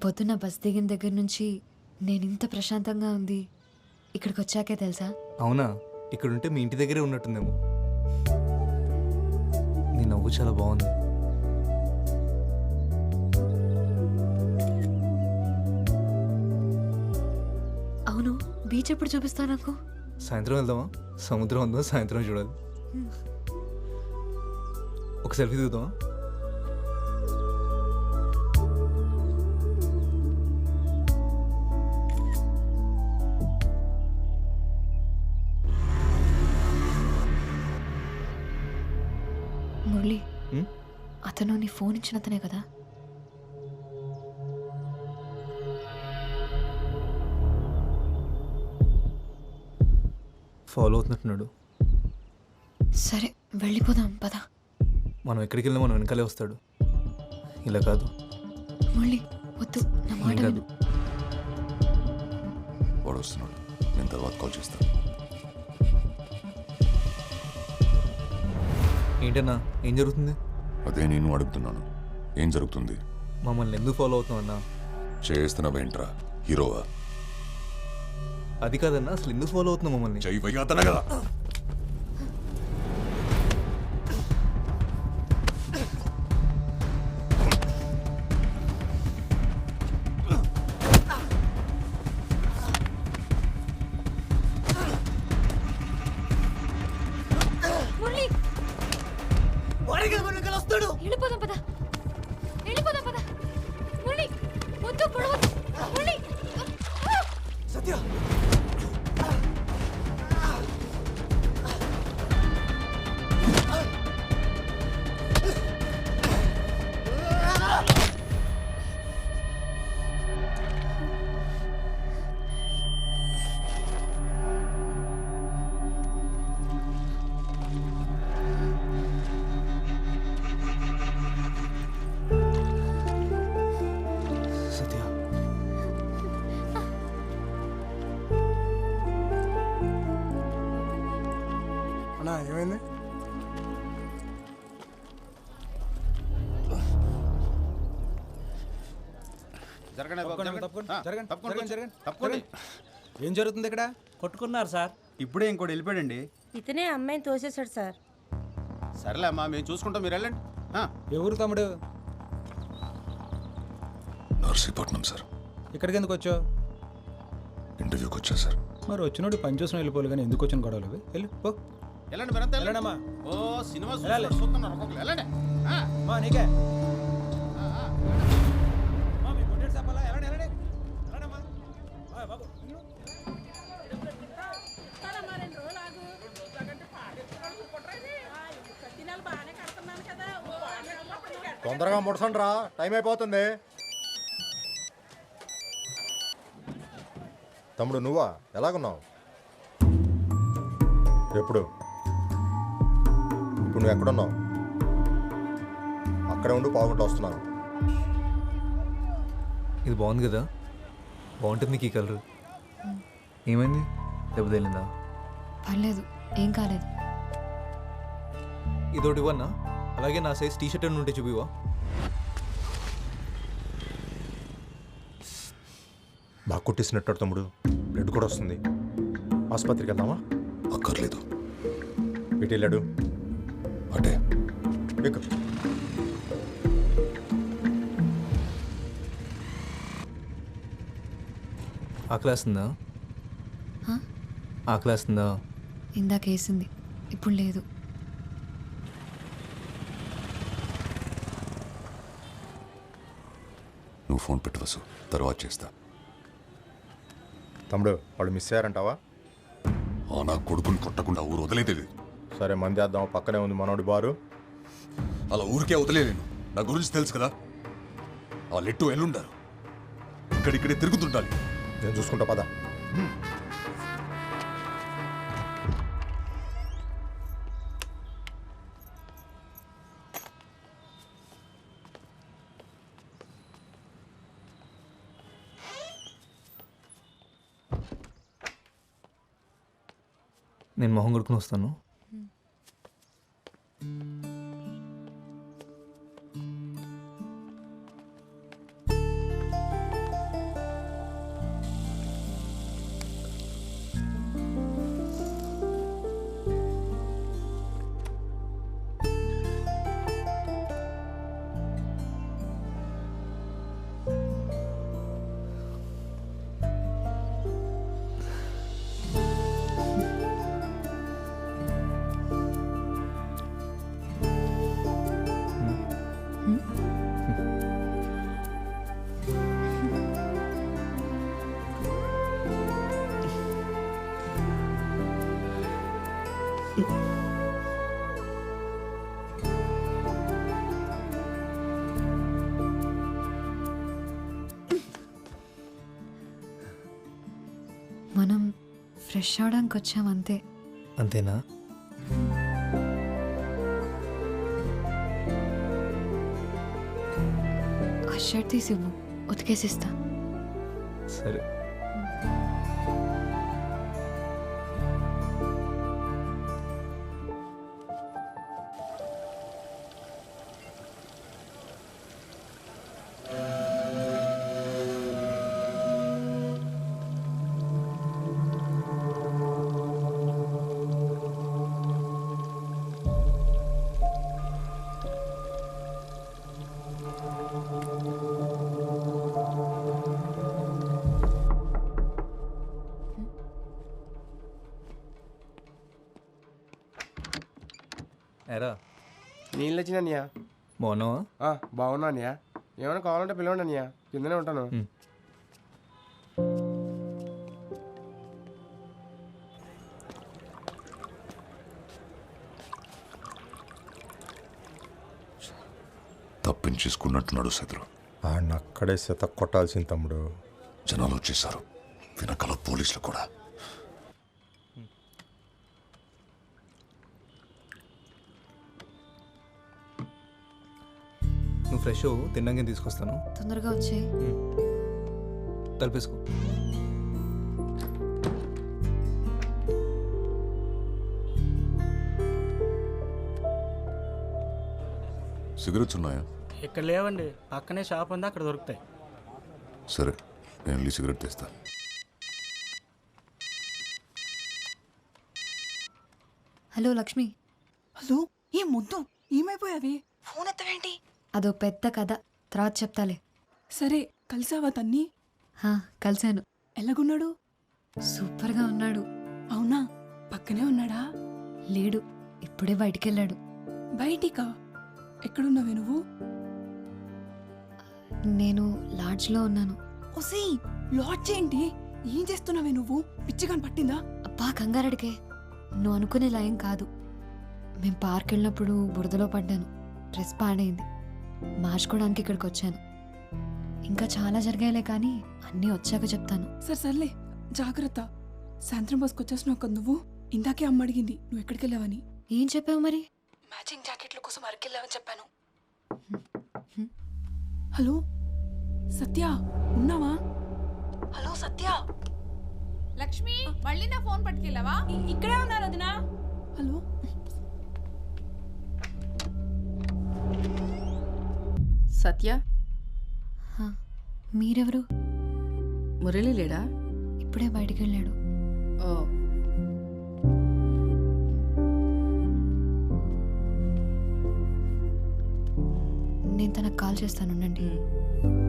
పొద్దున్న బస్ దిగిన దగ్గర నుంచి నేను ఇంత ప్రశాంతంగా ఉంది ఇక్కడికి వచ్చాకే తెలుసా. అవునా? ఇక్కడుంటే మీ ఇంటి దగ్గరే ఉన్నట్టుందేమో. నీ నవ్వు చాలా బాగుంది. అవును, బీచ్ ఎప్పుడు చూపిస్తావు నాకు? సాయంత్రం వెళ్దామా? సముద్రం ఉందో సాయంత్రం చూడాలి. ఒక సెల్ఫీ దిగుదామా? మురళి, అతను నీ ఫోన్ ఇచ్చిన అతనే కదా? ఫాలో అవుతున్నట్టున్నాడు. సరే వెళ్ళిపోదాం పద. మనం ఎక్కడికి వెళ్ళినా మనం వెనకాలే వస్తాడు. ఇలా కాదు. మురళి వద్దు, నా మాట ఏం కాదు. విను. వాడు వస్తున్నాడు, నేను తర్వాత కాల్ చేస్తాను. ఏంటన్నా, ఏం జరుగుతుంది? అదే నేను అడుగుతున్నాను, ఏం జరుగుతుంది? మమ్మల్ని ఎందుకు ఫాలో అవుతున్నావు అన్నా? చేస్తున్నావేంట్రా, హీరోవా? అది కాదన్నా, అసలు ఎందుకు ఫాలో అవుతున్నావు మమ్మల్ని? చెయ్యతన కదా. మురళి వెళ్ళిపోదాం పద, వెళ్ళిపోదాం పద. మురళి వద్దు, పొడవద్దు. మురళి సత్య, సత్య, అన్నా ఏమైంది? ఏం జరుగుతుంది ఇక్కడ? కొట్టుకున్నారు సార్. ఇప్పుడే ఇంకోటి వెళ్ళిపోయాడండి. ఇతనే అమ్మాయిని తోసేశాడు సార్. సరేలే అమ్మా, మేము చూసుకుంటాం, మీరు వెళ్ళండి. ఎవరు తమ్ముడు? నర్సీపట్నం సార్. ఇక్కడికి ఎందుకు వచ్చావు? ఇంటర్వ్యూకి వచ్చా సార్. మరి వచ్చినోడు పని చూసిన వెళ్ళిపోవాలి కానీ ఎందుకు వచ్చిన గొడవలు అవి? వెళ్ళు పో. వెళ్ళండి మీరంతా వెళ్ళండమ్మా. ఓ సినిమా వెళ్ళాలి. చూస్తున్నారు ఒక్కొక్కరు. వెళ్ళండి. మా నీకే మా మీ కొట్టేడు చెప్పాలా? వెళ్ళండి వెళ్ళండి వెళ్ళండమ్మా. బాబు తొందరగా ముడసండి రా, టైం అయిపోతుంది. తమ్ముడు నువ్వా? ఎలాగున్నావు? ఎప్పుడు? ఇప్పుడు నువ్వు ఎక్కడున్నావు? అక్కడే ఉండి పావుగంట వస్తున్నాను. ఇది బాగుంది కదా? బాగుంటుంది నీకు ఈ కలర్. ఏమైంది? దెబ్బ తగిలిందా? పర్లేదు, ఏం కాలేదు. ఇదోటి ఇవ్వన్నా? అలాగే నా సైజ్ టీ షర్ట్ ఉంటే చూపివా? బాగా కుట్టేసినట్టు తమ్ముడు, బ్లడ్ కూడా వస్తుంది. ఆసుపత్రికి వెళ్దామా? అక్కర్లేదు, ఇటు వెళ్ళాడు. అటే. ఎక్కు. ఆకలేస్తుందా? హా? ఆకలేస్తుందా? ఇందాక వేసింది, ఇప్పుడు లేదు. నువ్వు ఫోన్ పెట్టు వసు, తర్వాత చేస్తా. తమ్ముడు వాళ్ళు మిస్ అయ్యారంటావా? నా కొడుకుని కొట్టకుండా ఊరు వదిలేదేది. సరే మంది వేద్దాం, పక్కనే ఉంది మనోడి బారు. అలా ఊరికే వదిలేను, నా గురించి తెలుసు కదా. ఆ లెట్టు ఎల్లుండారు, ఇక్కడిక్కడే తిరుగుతుండాలి. నేను చూసుకుంటా పద. నేను మొహం కొడుకుని వస్తాను. మనం ఫ్రెష్ అవడానికి వచ్చాం అంతే. అంతేనా? ఆ షర్ట్ తీసి ఇవ్వు, ఉతికేసిస్తా. సరే. ఎరా నీళ్ళు వచ్చినయ్యా. బాగున్నావా? బాగున్నా అన్నయ్య. ఏమైనా కావాలంటే పిలవండి అన్నయ్య, కిందనే ఉంటాను. తప్పించేసుకున్నట్టున్నాడు శత్రు. ఆడిని అక్కడే శత కొట్టాల్సింది తమ్ముడు. జనాలు వచ్చేసారు, వెనకాల పోలీసులు కూడా. నువ్వు ఫ్రెష్ అవ్వు, తిన్నాక తీసుకొస్తాను. తొందరగా వచ్చే. తలపేసుకో. సిగరెట్స్ ఉన్నాయా? ఇక్కడ లేవండి, పక్కనే షాప్ ఉంది, అక్కడ దొరుకుతాయి. సరే, నేను వెళ్ళి సిగరెట్ తెస్తా. హలో లక్ష్మి. హలో, ఏం ముద్దు, ఏమైపోయావి? ఫోన్ ఎత్తవేంటి? అదో పెద్ద కథ, తర్వాత చెప్తాలే. సరే, కలిసావా తన్ని? కలిశాను. ఎలాగున్నాడు? సూపర్గా ఉన్నాడు. అవునా, పక్కనే ఉన్నాడా? లేడు, ఇప్పుడే బయటికెళ్ళాడు. బయటికా? ఎక్కడున్నావే నువ్వు? నేను లాడ్జ్లో ఉన్నాను. ఒసే, లాడ్జ్ ఏంటి? ఏం చేస్తున్నావే నువ్వు? పిచ్చిగాని పట్టిందా? అబ్బా కంగారడికే, నువ్వు అనుకునేలా ఏం కాదు. మేం పార్క్ వెళ్ళినప్పుడు బురదలో పడ్డాను, డ్రెస్ పాడైంది, మార్చుకోవడానికి ఇక్కడికి వచ్చాను. ఇంకా చాలా జరిగాయిలే కానీ అన్నీ వచ్చాక చెప్తాను. సర్లే, జాగ్రత్త. సాయంత్రం బస్కి వచ్చేసినావు కదా నువ్వు. ఇందాకే అమ్మ అడిగింది నువ్వు ఎక్కడికి వెళ్ళావని. ఏం చెప్పావు మరి? మ్యాచింగ్ జాకెట్ల కోసం అరకెళ్ళావని చెప్పాను. హలో సత్య, ఉన్నావా? హలో సత్య. లక్ష్మి, మళ్ళీ నా ఫోన్ పట్టుకెళ్ళావా? ఇక్కడే ఉన్నారు వదినా. హలో సత్య, మీరెవరు? మురళి లేడా? ఇప్పుడే బయటికి వెళ్ళాడు. ఓ, నేను తనకు కాల్ చేస్తాను, ఉండండి.